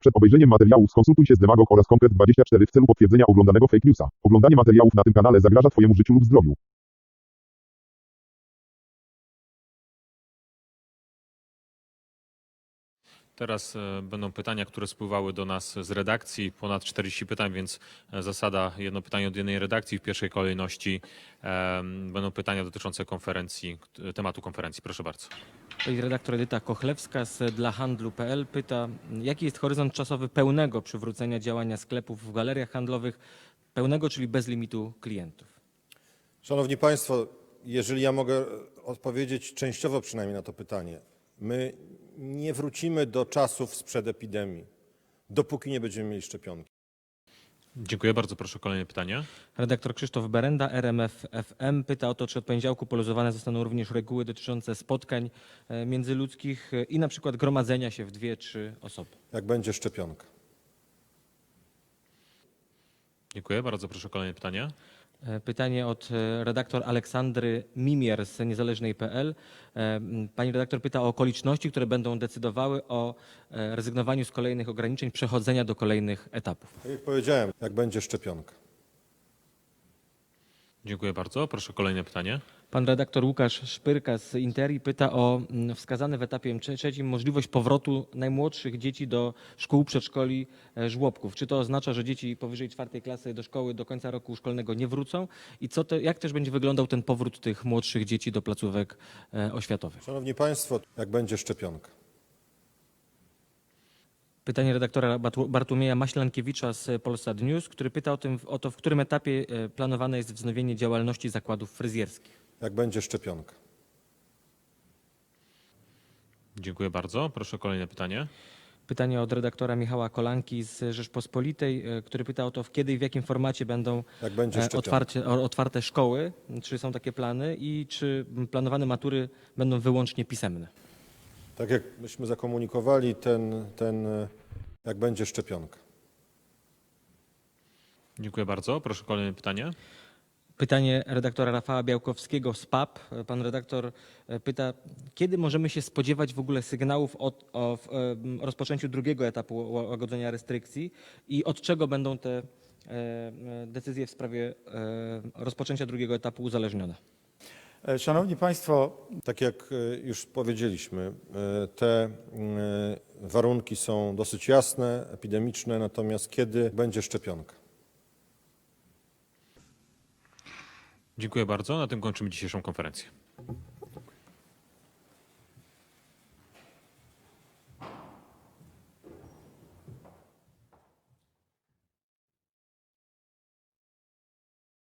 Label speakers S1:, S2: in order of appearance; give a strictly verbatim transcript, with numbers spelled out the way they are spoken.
S1: Przed obejrzeniem materiałów skonsultuj się z Demagog oraz Konkret dwadzieścia cztery w celu potwierdzenia oglądanego fake newsa. Oglądanie materiałów na tym kanale zagraża Twojemu życiu lub zdrowiu.
S2: Teraz e, będą pytania, które spływały do nas z redakcji. Ponad czterdzieści pytań, więc e, zasada jedno pytanie od jednej redakcji. W pierwszej kolejności e, będą pytania dotyczące konferencji, t- tematu konferencji. Proszę bardzo.
S3: Pani redaktor Edyta Kochlewska z dla handlu kropka p l pyta, jaki jest horyzont czasowy pełnego przywrócenia działania sklepów w galeriach handlowych, pełnego, czyli bez limitu klientów?
S4: Szanowni Państwo, jeżeli ja mogę odpowiedzieć częściowo przynajmniej na to pytanie. My nie wrócimy do czasów sprzed epidemii, dopóki nie będziemy mieli szczepionki.
S2: Dziękuję bardzo. Proszę o kolejne pytanie.
S3: Redaktor Krzysztof Berenda, R M F F M, pyta o to, czy od poniedziałku poluzowane zostaną również reguły dotyczące spotkań e, międzyludzkich e, i na przykład gromadzenia się w dwie, trzy osoby.
S4: Jak będzie szczepionka.
S2: Dziękuję bardzo. Proszę o kolejne pytanie.
S3: E, Pytanie od e, redaktor Aleksandry Mimier z niezależnej kropka p l. E, m, Pani redaktor pyta o okoliczności, które będą decydowały o e, rezygnowaniu z kolejnych ograniczeń, przechodzenia do kolejnych etapów.
S4: Tak jak powiedziałem, jak będzie szczepionka.
S2: Dziękuję bardzo. Proszę o kolejne pytanie.
S3: Pan redaktor Łukasz Szpyrka z Interi pyta o mm, wskazane w etapie trze- trzecim możliwość powrotu najmłodszych dzieci do szkół, przedszkoli, e, żłobków. Czy to oznacza, że dzieci powyżej czwartej klasy do szkoły do końca roku szkolnego nie wrócą? I co te, jak też będzie wyglądał ten powrót tych młodszych dzieci do placówek e, oświatowych?
S4: Szanowni Państwo, jak będzie szczepionka.
S3: Pytanie redaktora Batu- Bartłomieja Maślankiewicza z Polsat News, który pyta o, tym, o to, w którym etapie e, planowane jest wznowienie działalności zakładów fryzjerskich.
S4: Jak będzie szczepionka.
S2: Dziękuję bardzo. Proszę o kolejne pytanie.
S3: Pytanie od redaktora Michała Kolanki z Rzeczpospolitej, e, który pyta o to, w kiedy i w jakim formacie będą
S4: Jak będzie
S3: e,
S4: szczepionka.
S3: otwarcie, o- otwarte szkoły, czy są takie plany i czy planowane matury będą wyłącznie pisemne.
S4: Tak jak myśmy zakomunikowali, ten, ten jak będzie szczepionka.
S2: Dziękuję bardzo. Proszę o kolejne pytanie.
S3: Pytanie redaktora Rafała Białkowskiego z P A P. E, Pan redaktor e, pyta, kiedy możemy się spodziewać w ogóle sygnałów o, o w, em, rozpoczęciu drugiego etapu ła- łagodzenia restrykcji i od czego będą te e, e, decyzje w sprawie e, rozpoczęcia drugiego etapu uzależnione?
S5: E, Szanowni Państwo,
S4: Tak jak e, już powiedzieliśmy, e, te e, warunki są dosyć jasne, epidemiczne, natomiast kiedy będzie szczepionka?
S2: Dziękuję bardzo. Na tym kończymy dzisiejszą konferencję.